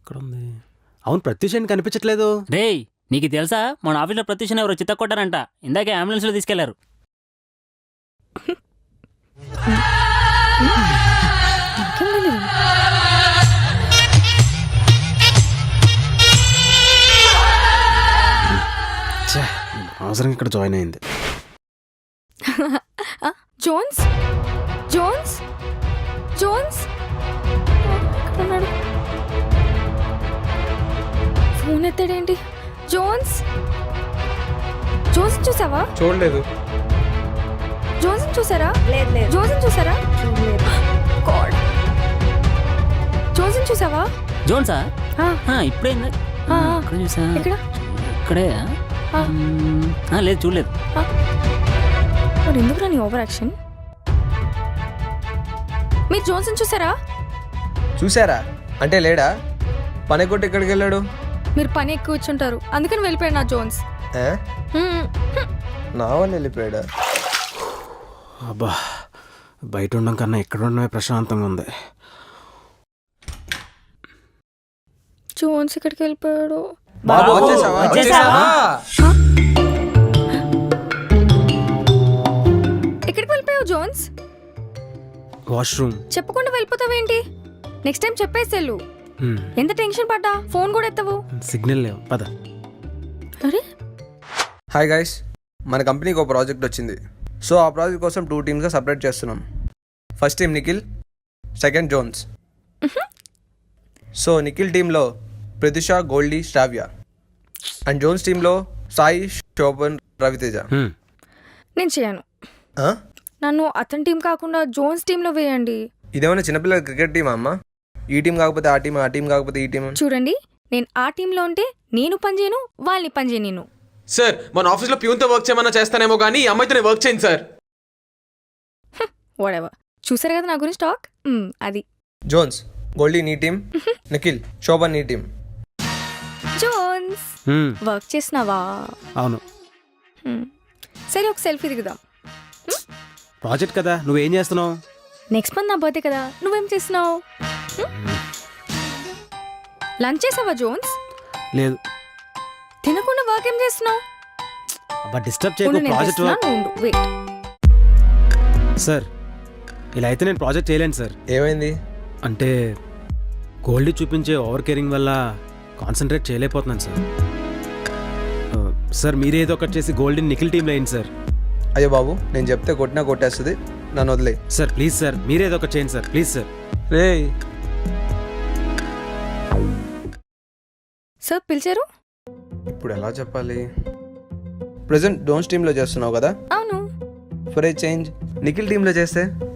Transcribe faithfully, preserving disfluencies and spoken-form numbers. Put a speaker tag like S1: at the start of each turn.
S1: ఎక్కడుంది? అవును, ప్రత్యూష్ ఏంటి కనిపించట్లేదు?
S2: రేయ్, నీకు తెలుసా మన ఆఫీస్లో ప్రత్యూషణ ఎవరో చిత్త కొట్టారంట. ఇందాకే అంబులెన్స్లో తీసుకెళ్లారు.
S1: ఛే, అవసరం ఇక్కడ జాయిన్ అయింది.
S3: జోన్స్ జోన్స్ జోన్స్ ఎక్కడున్నాడు? ఫోన్ ఎత్తాడేంటి? జోన్స్ జోన్స్ చూసావా?
S4: చూడలేదు.
S3: జోన్స్ చూసారా?
S5: లేదు లేదు
S3: జోన్స్ చూసారా?
S5: చూడలేదు.
S3: గాడ్, జోన్స్ చూసావా?
S2: జోన్సా?
S3: ఆ,
S2: ఆ, ఇప్పుడే ఇందా-
S3: ఆ,
S2: ఆ, ఇక్కడ చూసా.
S3: ఎక్కడ?
S2: ఇక్కడే.
S3: ఆ.
S2: మ్మ్. ఆ, లేదు చూడలేదు.
S3: మరి ఎందుకు నీ ఓవర్ యాక్షన్? మీరు జోన్స్ చూసారా?
S4: చూసారా అంటే లేడా? పని కొట్టి ఎక్కడికి వెళ్ళాడు?
S3: మీరు పని ఎక్కువ ఇచ్చుంటారు, అందుకని వెళ్ళిపోయాడు నా జోన్స్.
S4: ఏ?
S3: హ్మ్.
S4: నా వాళ్ళు వెళ్ళిపోయాడా?
S1: అబ్బా, బయట ఉండడం కన్నా ఇక్కడ ఉండడమే ప్రశాంతంగా ఉంది.
S3: జోన్స్ ఇక్కడికి వెళ్ళిపోయాడు.
S4: బాబు వచ్చేసావా?
S2: వచ్చేసావా?
S3: ఎక్కడికి వెళ్ళిపోయావు జోన్స్?
S1: వాష్రూమ్.
S3: చెప్పకుండా వెళ్ళిపోతావేంటి? నెక్స్ట్ టైం చెప్పేసి వెళ్ళు.
S1: హ్మ్,
S3: ఎంత టెన్షన్ పడ్డా ఫోన్ కూడా ఎత్తవు.
S1: సిగ్నల్ లేవు, పద.
S3: అరే,
S4: హాయ్ గైస్, మన కంపెనీకి ఒక ప్రాజెక్ట్ వచ్చింది. సో ఆ ప్రాజెక్ట్ కోసం టూ టీమ్స్గా సపరేట్ చేస్తున్నాం. First team Nikhil, second Jones. So Nikhil టీంలో Pratisha, Goldie, Shravya. And Jones టీంలో సాయి, శోభన్, రవితేజ.
S1: హ్మ్,
S3: నేను చేయను.
S4: ఆ?
S3: నన్ను అతని టీం కాకుండా జోన్స్ టీంలో వేయండి.
S4: ఇదేమన్నా చిన్నపిల్లల క్రికెట్ టీమా అమ్మ? ఈ టీం కాకపోతే ఆ టీం, ఆ టీం కాకపోతే ఈ టీం.
S3: చూడండి, నేను ఆ టీంలో ఉంటే నేను పని చేయను, వాళ్ళని పని చేయను.
S6: సార్, మన ఆఫీస్లో ప్యూన్తో వర్క్ చేయమన్నా చేస్తానేమో కానీ ఈ అమ్మాయితో వర్క్ చేయండి సార్.
S3: వాడెవర్. చూసారు కదా నా గురించి టాక్. మ్, అది
S4: జోన్స్, గోల్డీ నీ టీం, నిఖిల్, శోభన్ నీ టీం.
S3: జోన్స్
S1: హ్మ్,
S3: వర్క్ చేసినావా?
S1: అవును.
S3: మ్, సరే, ఒక సెల్ఫీ దిగుదాం.
S1: ప్రాజెక్ట్ కదా, నువ్వేం చేస్తున్నావు?
S3: నెక్స్ట్ మంత్ నా బర్త్డే కదా, నువ్వేం చేస్తున్నావు? లంచ్ చేసావా జోన్స్?
S1: లేదు.
S3: తినకుండా వర్క్ ఏం చేస్తున్నావు?
S1: అబ్బా, డిస్టర్బ్ చేయకు. Project work.
S3: వెయిట్.
S1: సార్, ఇలా అయితే నేను ప్రాజెక్ట్ చేయలేను సార్.
S4: ఏమైంది?
S1: అంటే గోల్డీ చూపించే ఓవర్ కేరింగ్ వల్ల కాన్సన్ట్రేట్ చేయలేకపోతున్నాను సార్. ఆ, సార్ మీరే ఏదో ఒకటి చేసి గోల్డీని నిఖిల్ టీంలో వేయండి సార్.
S4: అయ్యో బాబు, నేను చెప్తే కొట్టినా కొట్టేస్తుంది, నన్ను వదిలే.
S1: సార్ ప్లీజ్ సార్, మీరే ఏదో ఒకటి చేయండి సార్, ప్లీజ్ సార్.
S4: రే
S3: సార్ పిలిచారు?
S4: ఇప్పుడు ఎలా చెప్పాలి? ప్రజెంట్ డోన్స్ టీంలో చేస్తున్నావు కదా,
S3: అవును.
S4: ఫర్ ఏ చేంజ్ నిఖిల్ టీంలో చేస్తే